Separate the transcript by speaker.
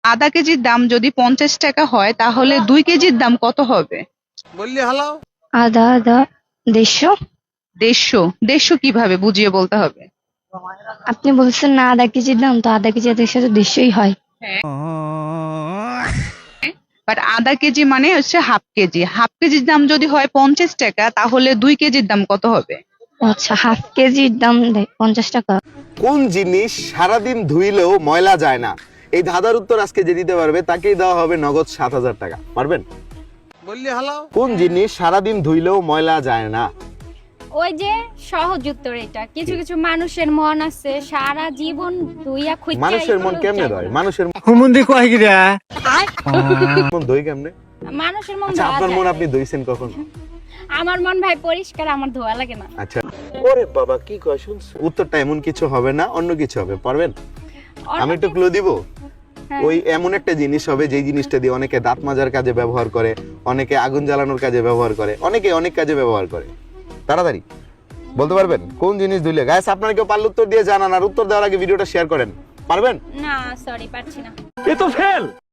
Speaker 1: আধা কেজির দাম যদি 50 টাকা হয় তাহলে 2 কেজির দাম কত হবে?
Speaker 2: বললি হালাও।
Speaker 3: আদা আদা 150।
Speaker 1: 150 কিভাবে বুঝিয়ে বলতে হবে?
Speaker 3: আপনি বলছেন না আধা কেজির দাম, তো আধা কেজি এদের সাথে 150ই হয়।
Speaker 1: বাট আধা কেজি মানে হচ্ছে হাফ কেজি, হাফ কেজির দাম যদি হয় 50 টাকা তাহলে 2 কেজির দাম কত হবে?
Speaker 3: আচ্ছা, হাফ কেজির দাম 50 টাকা।
Speaker 2: কোন জিনিস সারাদিন ধুইলেও ময়লা যায় না? এই ধাঁধার উত্তর আজকে যে দিতে পারবে তাকেই দেওয়া হবে নগদ 7,000 টাকা। পারবেন? বললি হালাও। কোন জিনিস সারাদিন ধুইলেও ময়লা যায় না?
Speaker 4: ওই যে সহজ উত্তর এটা। কিছু কিছু মানুষের মন আছে সারা জীবন ধুইয়া খুঁজে
Speaker 2: মানুষের মন কেমনে ধয়? মানুষের
Speaker 5: হুমুন্দি কয় গিরা
Speaker 2: মন ধুই কেমনে?
Speaker 4: মানুষের মন
Speaker 2: আচ্ছা,
Speaker 4: ধোয়া
Speaker 2: আপনার মন
Speaker 4: যায়।
Speaker 2: আপনি ধুইছেন কখন?
Speaker 4: আমার মন ভাই পরিষ্কার, আমার ধোয়া লাগে না।
Speaker 2: আচ্ছা, ওরে বাবা কি কয় শুনছ? উত্তরটা এমন কিছু হবে না, অন্য কিছু হবে। পারবেন? আমি একটু ক্লু দিব।
Speaker 4: হ্যাঁ।
Speaker 2: ওই এমন একটা জিনিস হবে যে জিনিসটা দিয়ে অনেকে দাঁত মাজার কাজে ব্যবহার করে, অনেকে আগুন জ্বালানোর কাজে ব্যবহার করে, অনেকে অনেক কাজে ব্যবহার করে। তাড়াতাড়ি বলতে পারবেন কোন জিনিস ধুইলে? গাইস, আপনারা কেউ পারলে উত্তর দিয়ে জানান, আর উত্তর দেওয়ার আগে ভিডিওটা শেয়ার করেন। পারবেন?
Speaker 4: না সরি, পারছি না।
Speaker 5: এ তো ফেল।